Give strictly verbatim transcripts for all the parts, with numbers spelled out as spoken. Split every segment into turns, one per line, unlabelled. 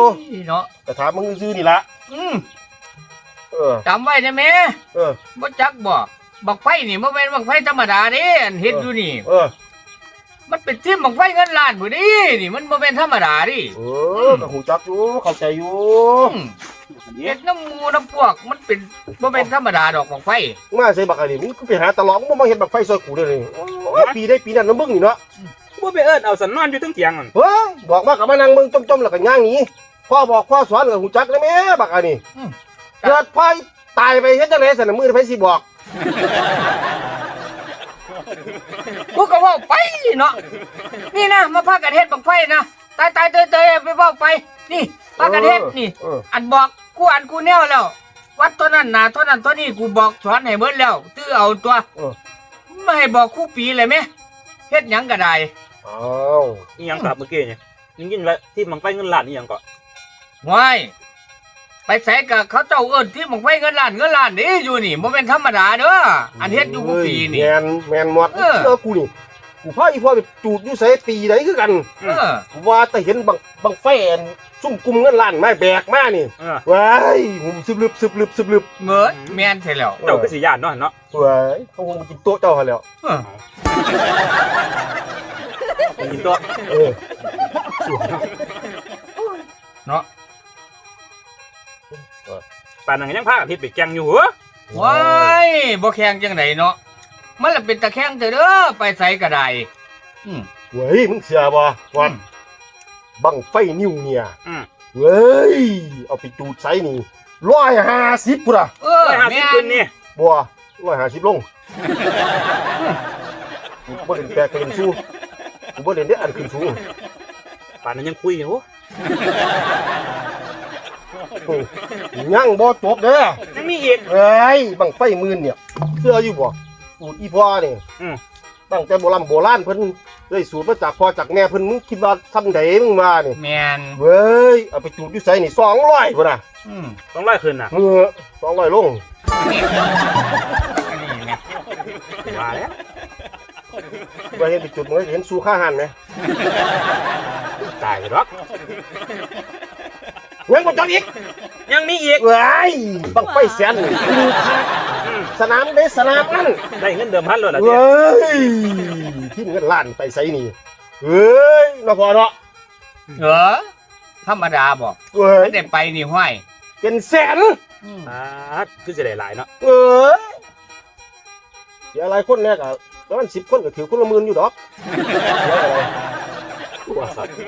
เนาะ
แต่ถามมึงซื้อนี่ละ
อืม
เออ
จำไว้นะแม่
เออ
บ่จักบ่บักไฟนี่บ่แม่นบักไฟธรรมดาเด้อันเฮ็ดอยู่นี่
เออ
มันเป็นทีมบักไฟเงินล้านพุ่นนี่นี่มันบ่แม่นธรรมดาดิ
เออก็ฮู้จักอยู่เข้าใจอยู่
เฮ็ดน้ำหมู่น้ำพวกมันเป็นบ่แม่นธรรมดาดอกบักไฟ
มาใส่บักอันนี้มึงก็ไปหาตลอดมึงบ่มาเฮ็ดบักไฟซอยกูเด้อนี่โอ้ยปีได้ปีนั้นนะมึงนี่เนาะ
บ่ไปเอิ้นเอาสันนอนอยู่ถึงเตียงนั่น
เฮ้ยบอกมาก็มานั่งมึงจ้มๆแล้วก็ย่างหนีพ่อบอกพ่อสอนก็ฮู้จักแล้วแม่บักอันนี้เกิดไฟตายไปเฮ็ดจังได๋ซั่นน่ะมื้อไผสิบอก
กูก็เว้าไปเนาะนี่นะมาพากันเฮ็ดบักไฟนะตายตายเตยเตยไปเว้าไปนี่พากันเฮ็ดนี่อันบอกกูอันกูแนวแล้ววัดตัวนั้นน่ะตัวนั้นตัวนี้กูบอกสอนให้เบิดแล้วตื้อเอาตัวไม่ให้บอกคู่ปีเลยมั้ยเฮ็ดหยังก็ได้
อ้าว
อีหยังครับเมื่อกี้นี่ยิงยินว่าที่บังไฟเงินล้านอีหยังก็
ว้ายไปใส่กับเขาเจ้าเอิ้นที่บังไฟเงินล้านเงินล้านนี่อยู่นี่บ่แม่นธรรมดาเด้ออันเฮ็ดอยู่คู่ปีนี่
แม่นแม่นหมดเชื่อกูนี่กูพาอีพ่อไปจูดอยู่ไสปีใดคือกัน
เออ
ว่าแต่เห็นบังบังไฟอันซุ่มกุมเงินล้านไม้แบกมานี่ว้ายหูซึบลึบซึบลึบซึบลึบ
เหมือนแม่นใช่แล้ว
เจ้าคือสิย่านเนาะเนาะ
ว้ายเขาคงมากินโต๊ะเจ้าหั่นแล้ว
เออ
กินโต๊ะ
เออ
เนาะ
ป่านนั้นยังพากันเฮ็ดไปแกงอยู่เหรอ
ว้ายบ่แข่งจังไดเนาะมันละเป็นตะแข่งเถอะเด้อไปใส่ก็ได้อืม
เว้ยมึงเชื่อบ่ว่าบังไฟนิ้วเนี่ย
อืม
เว้ยเอาไปจูดไสนี่หนึ่งร้อยห้าสิบพุ่นน่ะ
เออแม่น
นี่
บ่หนึ่งร้อยห้าสิบลงกูบ่เล่นแปลกเล่นสู้กูบ่เล่นได้อันขึ้นสูง
ป่านนั้นยังคุยอยู่
ยังบ่จบเด้อ
ยังมีอีก
เอ้ยบังไฟหมื่นเนี่ยเชื่ออยู่บ่สูตรอีพ่อนี่
อือ
ตั้งแต่โบราณโบราณเพิ่นได้สูตรมาจากพ่อจากแม่เพิ่นมึงคิดว่าทำไดมึงมานี่
แม่น
เว้ยเอาไปจูดอยู่ไสนี่สองร้อยพุ่นน่ะ
อืม
สองร้อยขึ้นน่ะ
เออสองร้อยลง
อันนี้แม่
ว่าแล้ว
บ่เห็นไปจุดมึงเห็นสู้ค่าหันมั้ย
ตายดอก
ยังบ่จบอีก
ยังมีอีก
เว้ยบังไฟแสนนี่สนามได้สนามนั้น
ได้เงินเดิมพันเลยล่ะ
เว้ยที่เงินล้านไปไสนี่เฮ้ยเนาะพ่อเนาะ
เหรอธรรมดาบ่
เว้ย
ได้ไปนี่ห้อย
เป็นแสน
อ่าคือสิได้หลายเนาะ
เออเสียหลายคนแน่ก็ประมาณสิบคนก็ถือคนละหมื่นอยู่ดอก
ว่าสัตว์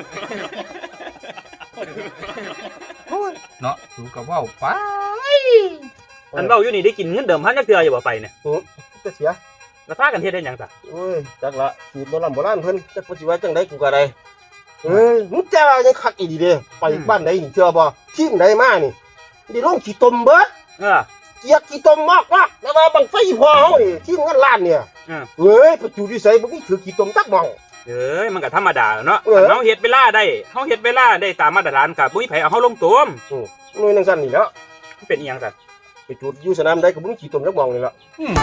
เนาะถูกกับว่าไป
อันเว้าอยู่นี่ได้กินเงินเดิมพันจักเทื่ออยู่บ่ไปเนี่ย
โอ้จะเสีย
แล้วพากันเฮ็ดได้หยังซะ
โอ้ยจักละสูตรโบราณโบราณเพิ่นจักว่าสิว่าจังได๋กูก็ได้เอ้ยมึงจ้ายังคักอีดีเด้ไปบ้านใดนี่เชื่อบ่ทีมใดมานี่ได้ลงขี้ตมเบิด
เออ
เกียกขี้ตมมากว่าแล้วว่าบังไฟพอเฮานี่ทีมงานล้านเนี่ย
เออ
เอ้ยไปอยู่ที่ไสบ่มีถือขี้ตมจักหม่อง
เอ้ยมันก็ธรรมดาเนาะเฮาเฮ็ดเวลาได้เฮาเฮ็ดเวลาได้ตามมาตรฐานก็บ่มีไผเอาเฮาลงตม
อือหน่วยจังซั่นนี่แหล้ว
เป็นอีหยังซั่น
ไปจุดอยู่สนามใดก็บ่มีขี้ตมจักหม่องนี่ล่ะอืม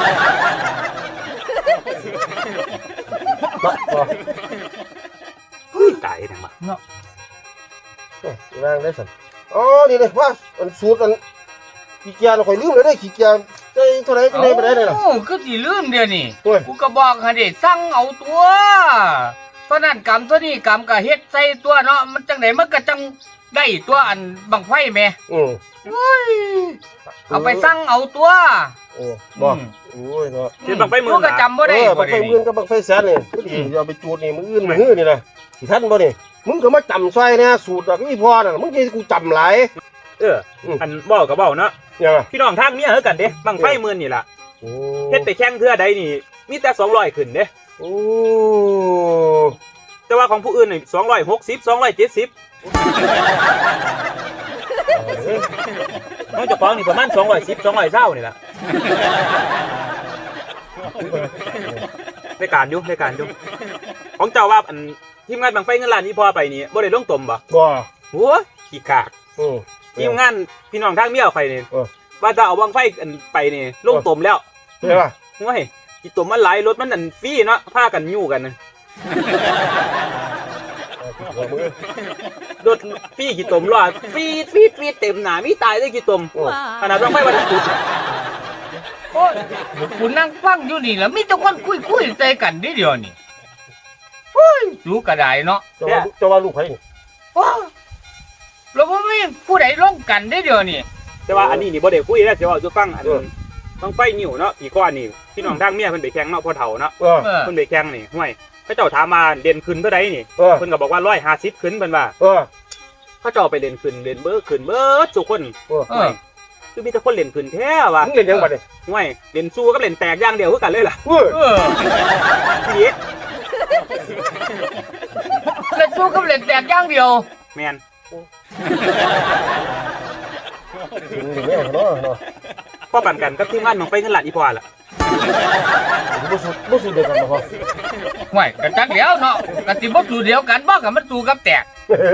ตายจังบ่
เนาะ
เอ้ยนางได้ซั่นอ๋อนี่เลยว่าอันสูตรอันขี้เกียจข่อยลืมเลยเด้ขี้เกียจใส่เท่าไหร่จังได๋บ่ได้เลยล่ะ
โอ้คือสิลืมเดี๋ยวนี้กูก็บอกให้ได้สั่งเอาตัวเท่านั้นกำเท่านี้กำก็เฮ็ดใส่ตัวเนาะมันจังได๋มันก็จังได้ตัวอันบังไฟแม่
อือ
โอ้ยเอาไปสั่งเอาตัว
โอ้บ่โอ้ยเนาะ
เฮ็ดบังไฟมื้อ
ก็จำบ่ได้
บังไฟมื้อกับบังไฟแสนนี่พอดีเอาไปจูดนี่มื้ออื่นมื้อนี่นะสิทันบ่นี่มึงก็มาจำซอยเนี่ยสูตรดอกอีพ่อน่ะมึงสิกูจำหลาย
เอออันเว้าก็เว้าเนาะ
ยัง
พี่น้องทางเมียเฮากันเด้บังไฟมื้อนี่ล่ะ
โอ้
เฮ็ดไปแข่งเทื่อใดนี่มีแต่สองร้อยขึ้นเด้
โอ้
แต่ว่าของผู้อื่นนี่สองร้อยหกสิบ สองร้อยเจ็ดสิบน้องเจ้าของนี่ประมาณสองร้อยสิบ สองร้อยเก้านี่ล่ะในการอยู่ในการอยู่ของเจ้าว่าอันทีมงานบังไฟเงินล้านนี่พอไปนี่บ่ได้ลงตมบ่
บ่
โอ้ยขี้กาก
อือ
ทีมงานพี่น้องทางเมียข่อยนี่ว่าจะเอาบังไฟอันไปนี่ลงตมแล้ว
ใช่ป่ะ
โอ้ยสิตมมันหลายรถมันอันฟรีเนาะพากันยู่กัน
หัวมือ
รถพี่กี่ตมรอดฟีดฟีดฟีดเต็มหนามีตายได้กี่ตมขนาดต้องไปวันจุด
โอ้ยกูนั่งฟังอยู่นี่แล้วมีแต่คนคุยคุยๆใจกันนิดเดียวนี่โอ้ยรู้กระไดเนาะ
จะว่าจะว่าลูกใครนี่
โอ้แล้วว่าไม่ผู้ใดร่วมกันได้เดียวนี่
แต่ว่าอันนี้นี่บ่ได้คุยแล้วจะว่าจะฟังอันต้องไปนิ่วเนาะปีก้อนนี่พี่น้องทางเมียเพิ่นไปแข่งเนาะพ่อเฒ่าเนาะ
เออ
เออ
เพิ่นไปแข่งนี่ห่วยเขาเจ้าถามมาเด่นขึ้นเท่าใดนี่
เออ
เพิ่นก็บอกว่าร้อยห้าสิบขึ้นเพิ่นว่า
เออ
เขาเจ้าไปเล่นขึ้นเล่นเบิดขึ้นเบิดทุกคน
เออ
เอ
ห่ว
อย
คือมีแต่คนเล่นขึ้นแท้ว่ะ
มึงเล่นยังบัดนี่
ห่วยเล่นสู้กับเล่นแตกอย่างเดียวคือกันเลยล่ะ
เออ
เออ
ทีนี้
เล่นสู้กับเล่นแตกอย่างเดียว
แม่น
มึงเล่นยังเนาะเนาะ
พ่อปั่นกันกับทีมงานน้องไปเงินหลานอีพอล่ะ
บ่สุดบ่สุดเดียวกันบ่พอ
ห่วยกระจักเดียวเนาะกระติบ่สู้เดียวกันบ่กับมันสู้กับแตก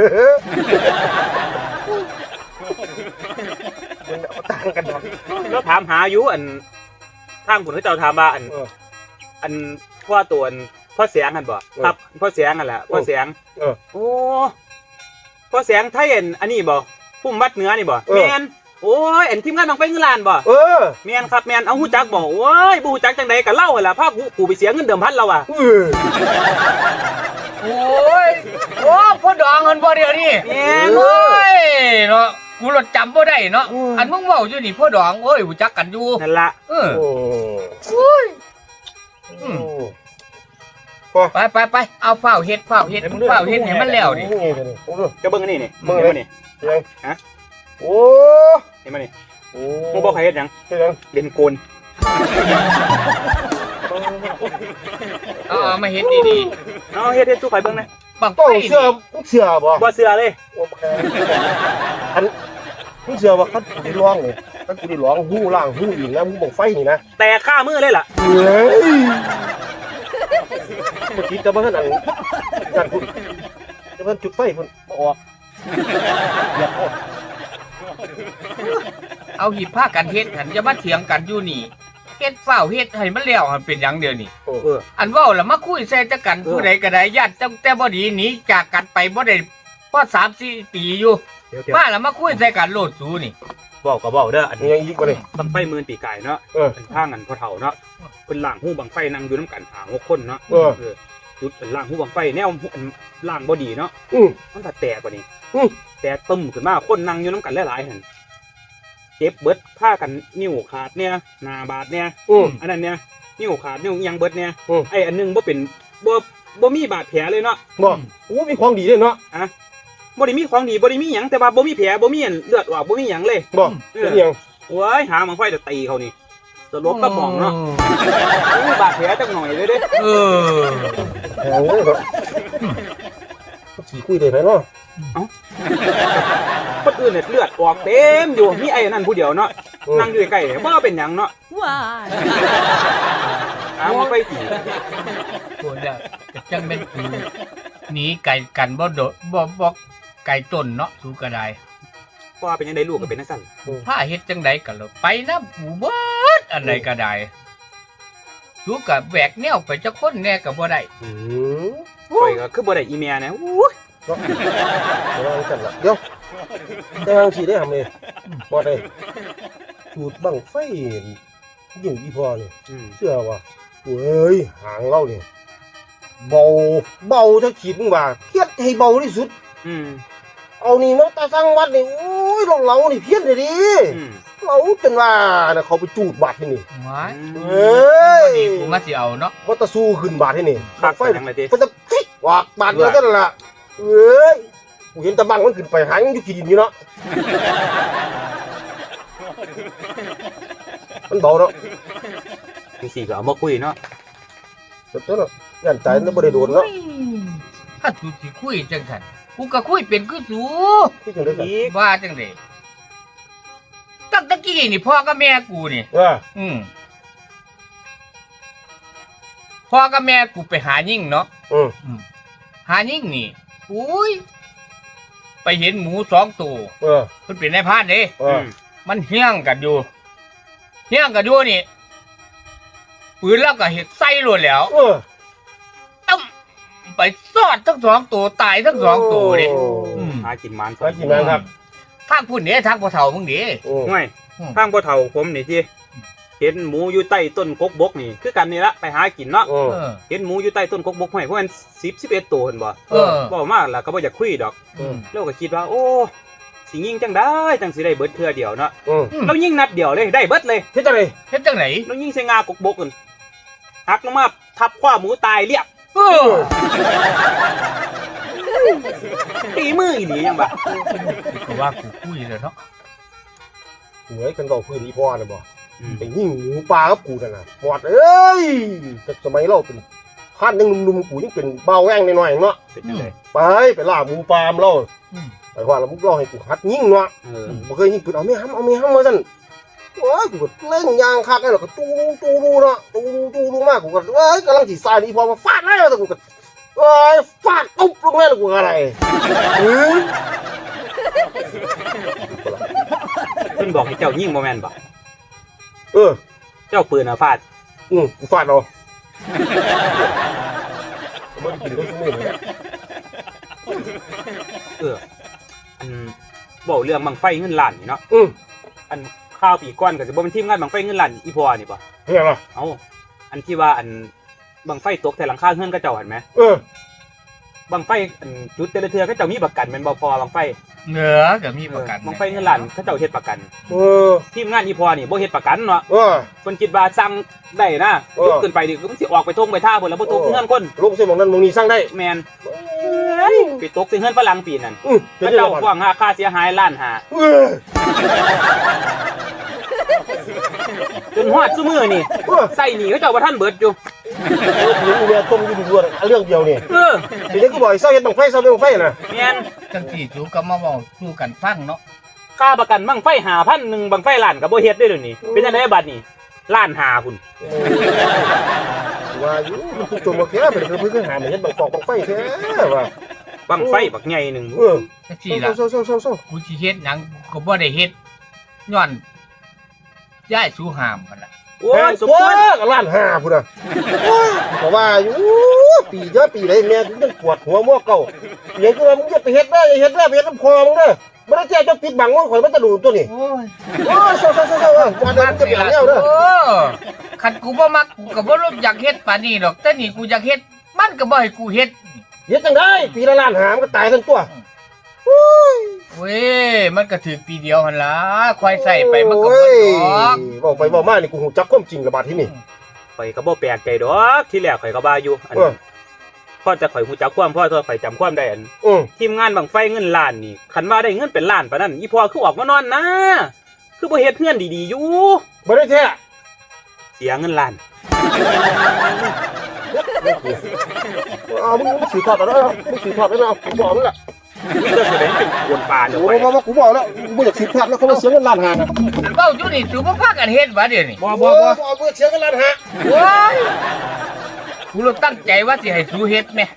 มันเอาต่างกันดอก
แล้วถามหาอยู่อันทางผุนเขาเจ้าถามว่าอัน
เออ
อันพ่อตัวอันพ่อเสียงกันบ่
เออ
ครับพ่อเสียงกันแหละพ่อเสียง
เออ
โอ้พ่อเสียงไทยอันอันนี้บ่พุ่มวัดเหนือนี่บ่
เออ
แม่นโอ้ยอันทีมงานน้องไปเงินล้านบ่
เออ
แม่นครับแม่นเอาฮู้จักบ่โอ้ยบ่ฮู้จักจังไดก็เล่าหั่นล่ะพากูกูไปเสียเงินเดิมพันแล้วอ่ะ
เออ
โอ้ยโอ้พ่อดองเงินบ่เดียวนี่
แม่น
โอ้ยเนาะกูรถจำบ่ได้เนาะอันมึงเว้าอยู่นี่พ่อดองโอ้ยรู้จักกันอยู่
นั่นล่ะ
เออ
โอ้
โอ้ย
อืม
ไปไปไปเอาเฝ้าเฮ็ดเฝ้าเฮ็ดเฝ้าเฮ็ดให้มันแล้วดิ
ก็เบิ่งอันนี้นี่
เบิ่ง
เห็น
เล
บ่
ย
นี่
ยัง
ฮะ
โอ้
เห็นบ่นี่
โอ้
มึงบ่ใครเฮ็ดหยัง
เฮ็ดยัง
เล่นโกน
เอาเอามาเฮ็ดดี
เอาเฮ็ดเฮ็ดสู้ใครเบิ่งนะ
ๆบังไฟ
ต้อง
นี่
เชื่อมึงเชื่อบ่
บ่เชื่อเลย
โอเคอันมึงเชื่อว่าคันกูได้ร้องนี่คันกูได้ร้องหู้ล่างหู้อีกนะมึงบังไฟนี่นะ
แต่ค่ามือเลยล่ะ
เฮ้ยเมื่อกี้จะมาขนาดกันคุณจะมาจุดไฟคุณมาออกอย่าออก
เอาหิบผ้ากันเฮ็ดหันจะมาเถียงกันอยู่นี่เฮ็ดเฝ้าเฮ็ดให้มันแล้วหันเป็นหยังเดียวนี่
เออ
อันเว้าแล้วมาคุยใส่ตะกัน
เออ
ผู้ใดก็ได้ญาติตั้งแต่บ่ดีหนีจากกันไปบ่ได้พอสามสี่ปีอยู่
เดี๋ยวเดี๋ยว
มาแล้วมาคุยใส่กันโลดสูนี่
บอกก็บอกเด้ออัน
มี
นี้
ยังอีกบ่เลย
บังไฟหมื่นปีไก่เนาะ
เออ
เป็นทางกันพ่อเฒ่าเนาะเป็นล่างหู้บังไฟนั่งอยู่น้ำกันหาหกคนเนาะ
เออ
จุดเป็นล่างหู้บังไฟแนวอันล่างบ่ดีเนาะ
อืม
มันถ้าแตกกว่านี้
อืม
แตกตึมขึ้นมาคนนั่งอยู่น้ำกันหลายๆหั่นเจ็บเบิดผ้ากันนิ้วขาดเนี่ยหน้าบาดเนี่ย
อืม
อันนั้นเนี่ยนิ้วขาดนิ้วอิหยังเบิดเนี่ย
อืม
ไอ้อันหนึงบ่เป็นบ่บ่มีบาดแผลเลยเนาะ
บ่โอ้มีของดีเลยเนาะ
บ่ได้มีของดีบ่ได้มีหยังแต่ว่าบ่มีแผลบ่มีอันเลือดออกบ่มีหยังเลย
บ่
เอ
เป็
อ
นยัง
โอ้ยหาบังไฟจะตีเขานี่สลบกระหม่อมเนาะบ่มีบาดแผลจักหน่อยเลยเด้
เออ
แพงเลยครับขี่คุยได้ไหมเนาะ
คนอื่นเนี่ยเลือดออกเต็มอยู่มีไอ้นั่นผู้เดียวเนาะนั่งอยู่ใกล้ๆบ่เป็นหยังเนาะ
Why?
หาบังไฟตี
โคนละก็จังเป็นกูหนีไก่กันบ่โดดบ่บ่ไก่ต้นเนาะสูก็ได้
พ่อเป็นยังไงลูกก็เป็นจังซั่น
ผ้าเฮ็ดจังไดก็เลยไปนะปูเบิดอันใดก็ได้สูก็แบกแนวไปจักคนแน่ก็บ่ได้
อืม
ข่อยก็คือบ่ได้อีเมียนะอู้ย
เนาะเดี๋ยวเรากันละเดี๋ยวแต่ทางสีได้ทำเลยบ่ได้สูตรบังไฟยิ่งอีพอนี่
อืม
เชื่อว่าเว้ยหางเราเนี่ยเบาเบาถ้าขีดมึงว่าเพี้ยนให้เบาที่สุด
อืม
เอานี่มาตาสั่งวัดนี่โอ้ยเราเรานี่เพี้ยนเลยดิ
อืม
เราจนว่านะเขาไปจูดบาดที่นี่
หวาย
เอ้ย
ดีกูมาสิเอาเนาะ
ว่าตะสู้ขึ้นบาดที่นี่
คัก
ไฟ
ไปจังเลยติ
มันจะฟิกวากบาดเดียวกันล่ะเอ้ยกูเห็นตะบังมันขึ้นไปหางอยู่ขี้ดินอยู่เนาะมันเบาเนาะ
จังซี่ก็เอามาคุยเนาะ
สุดยอดเนาะยันใจแล้วบ่ได้โดนเนาะ
ถ้าสูสิคุยจังซั่นกูก็คุยเป็นคือสู
ที่จังได๋กัน
อีก
ว่าจังได๋ตั้งแตะกี้นี่พ่อกับแม่กูนี่
ว่า
อืมพ่อกับแม่กูไปหายิ่งเนาะ
อืม
หายิ่งนี่อุ้ยไปเห็นหมูสองตัว
เออ
มันเป็นนายพรานเด้
เออ
มันเฮี้ยงกันอยู่เฮี้ยงกันอยู่นี่ปืนแล้วก็เห็ดใส่รวดแล้ว
เออ
ตึ้มไปไปซอดทั้งสองตัวตายทั้งสองตัวเด้ อืม
หากินมัน
หากินมันครับ
ทางพุ่นเด้ทางพ่อเฒ่ามึงเด้
โอ้
ห่วย
อืม
ข้างพ่อเฒ่าผมนี่ที่เห็นหมูอยู่ใต้ต้นกกบกนี่คือกันนี่ละไปหากินเนาะ
โอ้
เออ
เห็นหมูอยู่ใต้ต้นกกบกห้วยเพราะมันสิบสิบเอ็ดตัวเห็นบ่
เออ
บอกมาแล้วก็บ่อยากคุยดอก
อืม
เราก็คิดว่า โอ้สิยิงจังได้จังสิได้เบิดเทื่อเดียวเนาะ
อืม
เรายิงนัดเดียวเลยได้เบิดเลย
เฮ็ดจังได๋
เฮ็ดจังไหน
เรายิงใส่งากกบกนั่นหักลงมาทับขว้าหมูตายเรียบ
เออ
ตีมืออีหลียังบ่
ก็ว่ากูคุยแล้วเนาะ
หวยกันบอกพื้นอีพ่อน่ะบ่
อืม
ไปยิงหมูป่ากับกูนั่นน่ะหมดเอ้ยแต่สมัยเราเป็นพันยังหนุ่มๆกูยังเป็นเบาแว้งน้อยๆเนาะ
เป็นจังได๋
ไปไปล่าหมูป่ามาเรา
อืม
ไปว่าแล้วมึงรอให้กูหัดยิงเนาะ
เออ
บ่เคยยิงปืนเอาไม่ห้ำเอาไม่ห้ำมาสั่นโอ้ยกูก็เล่นยางคักไอ้หรอกก็ตูรูตูรูเนาะตูรูตูรูมากกูก็เอ้ยกำลังจีสายนี่พอมาฟาดแล้วแต่กูก็เอ้ยฟาดตุ๊บลงแล้วกูก็อะไรเอ้ย
เพิ่นบอกให้เจ้ายิงบ่แม่นบ่
เออ
เจ้าปืนน่ะฟาด
อืมกูฟาดเอาไม่ได้กินก็ไม่ได้
เอออันบอกเรื่องบังไฟเงินล้านนี่เนาะ
อืม
อันข้าวปีก่อนก็สิบ่เป็นทีมงานบังไฟเงินล้านอีพอนี่บ่
เฮ้ยอะไร
เอ้าอันที่ว่าอันบังไฟตกแต่หลังคาเฮือนก็เจ้าเห็นไหม
เออ
บังไฟอันจุดแต่ละเทือก็เจ้ามีประกันแม่นบ่พอบังไฟ
เหนือก็มีประกัน
บังไฟเงินล้านเขาเจ้าเฮ็ดประกัน
เออ
ทีมงานอีพอนี่บ่เฮ็ดประกันเนาะ
เออ
เพิ่นคิดว่าสั่งได้นะ
เออ
ยุบขึ้นไปนี่มันสิออกไปทงไปท่าเพิ่นแล้วบ่ตก
เออ
เฮือนคน
ลูกเส้นมองนั้นมองนี้สร้างได้
แม่นไปตกใส่เฮือนฝรั่งปีนั้น
อืมเดี๋ยว
เขา
เจ้า
เจ้าฟ้องหาค่าเสียหายล้านหา
เออ
จนฮอดซุมื้อนี่
เออ
ใส่หนี้เขาเจ้าบ่ทันเบิดอยู่
เดี๋ยวเมียต้มอยู่ด้วยเรื่องเดียวนี่
เออ
เดี๋ยวกูบอกเศร้าเห็นบังไฟเศร้าเห็นบังไฟนะ
แม่น
จังสี่จูก็มาเว้าสู่กันฟังเนาะ
ค่าประกันบังไฟห้าพันหนึ่งบังไฟล้านก็บ่เฮ็ดได้เดี๋ยวนี้เป็นจังไดบัดนี้ล้านหาพุ่น
ว่าอยู่มันคือจมมาแค่เป็นเพื่อนหาเหมือนบังฟอกบังไฟแท้ว่า
บังไฟบักใหญ่หนึง
เออ
จังสี่ล่ะ
เศร้าเศร้าเศร้าเศร้า
กูสิเฮ็ดหยังก็บ่ได้เฮ็ดย้อนย้ายสู่หามกันล่ะ
โอ้ยสม
โอ้
ควร
ยล้านห้าพุ่นอ่ะแต่ว่าอยู่ปีเยอะปีไหนแม่ยังปวดหัวมั่วเก่าเลี้ยงกูมึงจะไปเฮ็ดได้เฮ็ดได้ไปเฮ็ดน้ำคอมึงเด้อไม่ได้แจ้งจะปิดบังว่าข่อยมันจะดูตัวนี้
โอ้ย
โอ้ยเศร้าเศร้าเศร้าเศร้าวันนั้นจะเปลี่ยนแล้วเด้อ
เออคันกูบ่มักกูก็บ่รู้อยากเฮ็ดปานนี้ดอกแต่นี่กูอยากเฮ็ดมันก็บ่ให้กูเฮ็ด
เฮ็ดจังได้ปีละล้านหามันก็ตายทั้งตัว
เว้ยมันก็ถือปีเดียวหั่นล่ะควายใส่ไปมันก็บ่ดอก
บอกไปบอกมานี่กูหูจักความจริงระบาดที่นี่
ข่อยก็บ่แปลกใจดอกที่แรกข่อยก็บ่าอยู่อัน
เออ
พ่อจะข่อยฮู้จักความพ่อตัวข่อยจำความได้อัน
อือ
ทีมงานบังไฟเงินล้านนี่คันว่าได้เงินเป็นล้านปานนั้นอีพ่อคือออกมานอนนะคือบ่เฮ็ดเงินดีๆอยู่
บ่ได้แท้
เสียเงินล้าน
เอามึงมึงสืบทอดเอาแล้วมึงสืบทอดแล้วเอากูบอกมึงละ
นี่ก็แสดงเป็นกวนปลาเด้อ
โอ้
ข่อย
ยบอกกูบอกแล้วกูบ่อยากสืบทอดแล้วเขามาเสียเงินล้านหานะ
เว้าอยู่นี่สูบ่พากันเฮ็ดวะเดี๋ยวนี้
บ่
บ่
บ่
บ่
บ่
บ่เสียเงินล้านหา
โอ้ยกูเลยตั้งใจว่าสิให้สูเฮ็ดแม่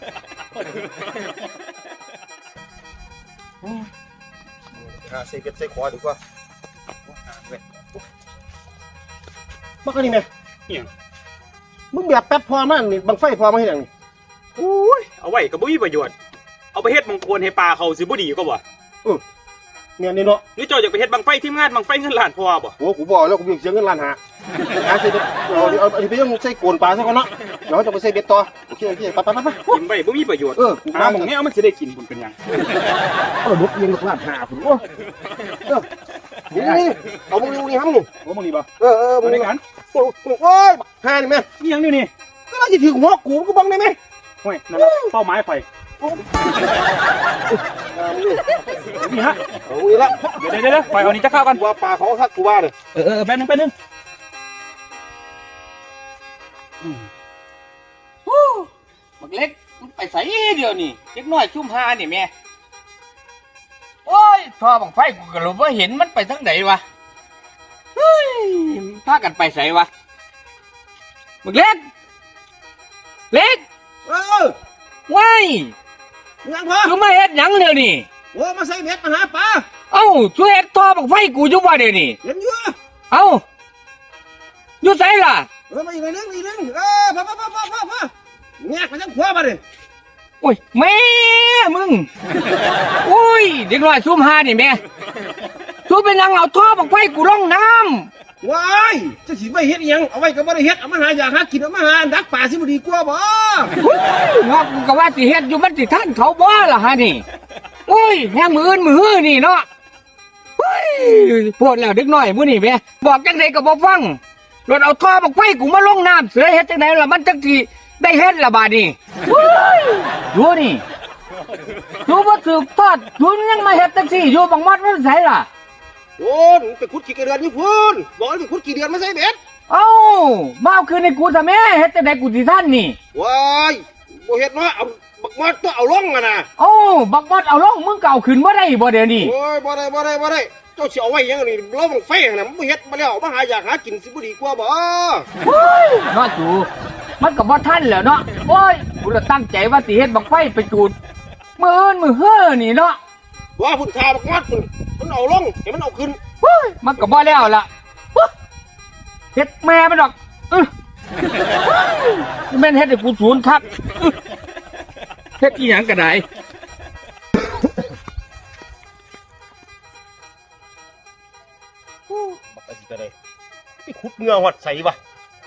หาใส่เก็บใส่คอดีกว่าบักอันนี้แม่
อิหยัง
มึงแบบแป๊บพอมากนี่บังไฟพอมาเฮ็ดหยังนี่
โอ้ยเอาไว้ก็บ่มีประโยชน์เอาไปเฮ็ดมังกรให้ปลาเขาสิบ่ดีก็บ่
แม่นนี่เนาะ
หรือเจ้าอยากไปเฮ็ดบังไฟทีมงานบังไฟเงินล้านพอบ่
โอ้กูบอกแล้วกูบ่อยากเสียเงินล้านหาหาใส่เบ็ดเอาเอาอันนี้ไปยังใส่โกนปลาซะก่อนเนาะเดี๋ยวจะไปใส่เบ็ดต่อโอเคโอเคไปไปไปไป
กินไว้บ่มีประโยชน์
เออกู
หาหม่องนี้เอามันสิได้กินพุ่นเป็นหยัง
เออบุกยิงลูกล้านหาพุ่นโอ้เออนี่นี่เอามึงนี่ครับมึง
โอ้มึงนี่บ่
เออเออมึ
บ่
ง
ได้
นี่
กัน
โอ้ยหานี่แม่
อีหยังนี่นี่
ก็เราจะถึงหัวกูก็บังได้ไหม
โอ้ยนั่นล่ะเป้าหมายข่อย
อ่ามึงนี่
นี่ฮะ
เอาอีกละ
เดี๋ยวเดี๋ยวเดี๋ยวข่อยเอานี่จะเข้ากัน
กูว่าปลาเขาทักกูว่าเลย
เออเออแป๊บนึงแป๊บนึงอืม
บักเล็กมันไปไสเดี๋ยวนี้เล็กน้อยชุมหานี่แม่โอ้ยทอบังไฟกูก็รู้ว่าเห็นมันไปทางไหนวะเฮ้ยพากันไปไสวะบักเล็กเล็ก
เออ
ว้าย
ยังพอ
อยู่มาเฮ็ดหยังเดี๋ยวนี้
โอ้มาใส่เบ็ดมาหาปลา
เอ้าช่วยเฮ็ดทอบังไฟกูอยู่บ่เดี๋ยวนี้
เห็นอยู่
เอ้าอยู่ไสล่ะ
เออมาอีกหน่อยนึงอีกนึงเออพ่อพ่อพ่อพ่อพ่อแงกไปทางขวามาดิ
โอ้ยแม่มึงโอ้ยเด็กน้อยซุ่มหานี่แม่ซุ่มเป็นยังเอาท่อบักไฟกูลงน้ำ
ว้ายจะสิไม่เฮ็ดอิหยังเอาไว้ก็บ่ได้เฮ็ดเอามาหาอยากหากินเอามาหาดักป่าสิบ่ดีกว่าบ่
งอกกูก็ว่าสิเฮ็ดอยู่มันสิท่านเขาบ่ล่ะฮะนี่โอ้ยแฮงมืออื่นมือฮื้อนี่เนาะเฮ้ยปวดแล้วเด็กน้อยมื้อนี่แม่บอกจังไดก็บ่ฟังรถเอาท่อบักไฟกูมาลงน้ำเสือเฮ็ดจังไดล่ะมันจังสิได้เฮ็ดล่ะบาดนี้เฮ้ยดูนี่ดูบ่ถูกทอดดูยังมาเฮ็ดจังซี่อยู่บังมัดมันไสล่ะ
โอ้ยไปขุดกี่เดือนนี่พุ่นบอกให้ไปขุดกี่เดือนมาใส่เบ็ด
เอ้ามาเอาคืนให้กูซะแม่เฮ็ดจังไดกูสิทันนี่
ว้ายบ่เฮ็ดเนาะเอาบักมอดตัวเอาลงอ่ะนะ
เอ้าบักมัดเอาลงมึงก็เอาขึ้นบ่ได้บ่เดี๋ยวนี้
โอ้ยบ่ได้บ่ได้บ่ได้เจ้าสิเอาไว้หยังนี่เราบังไฟน่ะมันบ่เฮ็ดมาแล้วมาหาอยากหากินสิบ่ดีกว่าบ่
เฮ้ยเนาะจูมันก็บ่ทันแล้วเนาะโอ้ยกูละตั้งใจว่าสิเฮ็ดบักไฟไปจูดมื้ออื่นมื้อเฮ้อนี่เนาะ
ว่าพุ่นคาบักมอดพุ่นมันเอาลงให้มันเอาขึ้น
เฮ้ยมันก็บ่แล้วล่ะเฮ้ยเฮ็ดแม่มันดอกอื้อกูแม่นเฮ็ดให้กูสูญคักอื้อเฮ็ดอีหยังก็ได้
บักสิก็ได้ไปขุดเหงื่อฮอดใส่บ่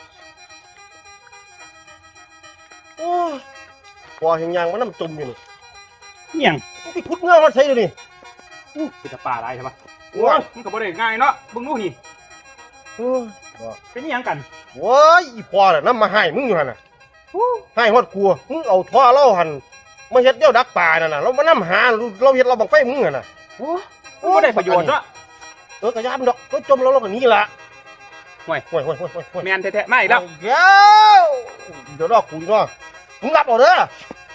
โอ้ยพอเห็นยางมันน้ำจุ่มอยู่นี่
เหี่ยง
ไปขุดเหงื่อฮอดใส่เดี๋ยวนี้
อู้เป็นตะป่าอะไรใช่ปะ
โอ้ย
มันก็บ่ได้ง่ายเนาะเบิ่งดูนี่
โอ้ย
เป็นอิหยังกัน
โว้ยอีพ่อน่ะนำมาให้มึงอยู่หั่นน่ะให้ฮอดกลัวมึงเอาท่อเล่าหั่นมาเฮ็ดเดี่ยวดักป่านั่นน่ะเรามานำหาเราเฮ็ดเราบังไฟมึงหั่นน่ะ
โอ้บ่ได้ประโยชน์เนาะ
เออกระยามดอกก็จมแล้วเราก็หนีละ
ห่วย
ห่วยห่วยห่วยห่วยห่วย
แม่นแท้ๆไม่แล้ว
เดี๋ยวเดี๋ยวดอกกูอีกเนาะมึงรับเอาเด้อ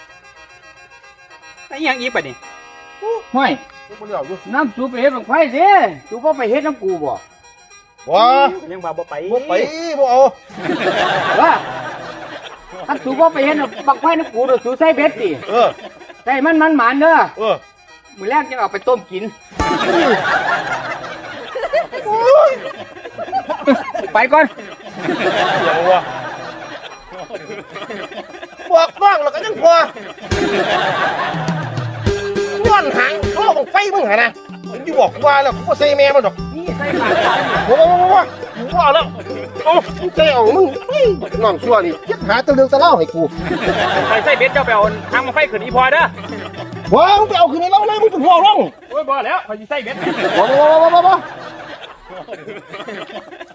ไอ้อิหยังอีกปะนี่
ห้อย
มึงบ่เลี้ยวอยู่
น้ำจูไปเฮ็ดบักไฟสิจูบ่ไปเฮ็ดน้ำกูบ่
ว้า
ยังว่าบ่ไป
บ่ไปบ่เอา
ว่าถ้าจูบ่ไปเฮ็ดบักไฟน้ำกูเด้อจูใส่เบ็ดสิ
เออ
ใส่มันมันหมานเด้อ
เออ
มื้อแรกจะเอาไปต้มกิน ไปก่อน
อย่างวะบอกบ้างแล้วก็ยังพอย้อนหางท่อบังไฟมึงหั่นน่ะมึงอยู่บอกกูว่าแล้วกูบ่ใส่แม่มันดอก
นี่ใส่ปากกันนี่
โอ้โหกูว่าแล้วโอ้มึงใจเอามึงเฮ้ยน้องชั่วนี่คิดหาแตะเรื่องตะเล่าให้กู
ไปใส่เบ็ดเจ้าไปเอาทางมาไฟขึ้นอีพอเด้อ
ว้ามึงไปเอาคืนในเล่าเลยมึงเป็นหัวร้อง
โอ้ยบ่แล้วเขาสิใส่เบ็ด
ว้าวว้าวว้าวว้าว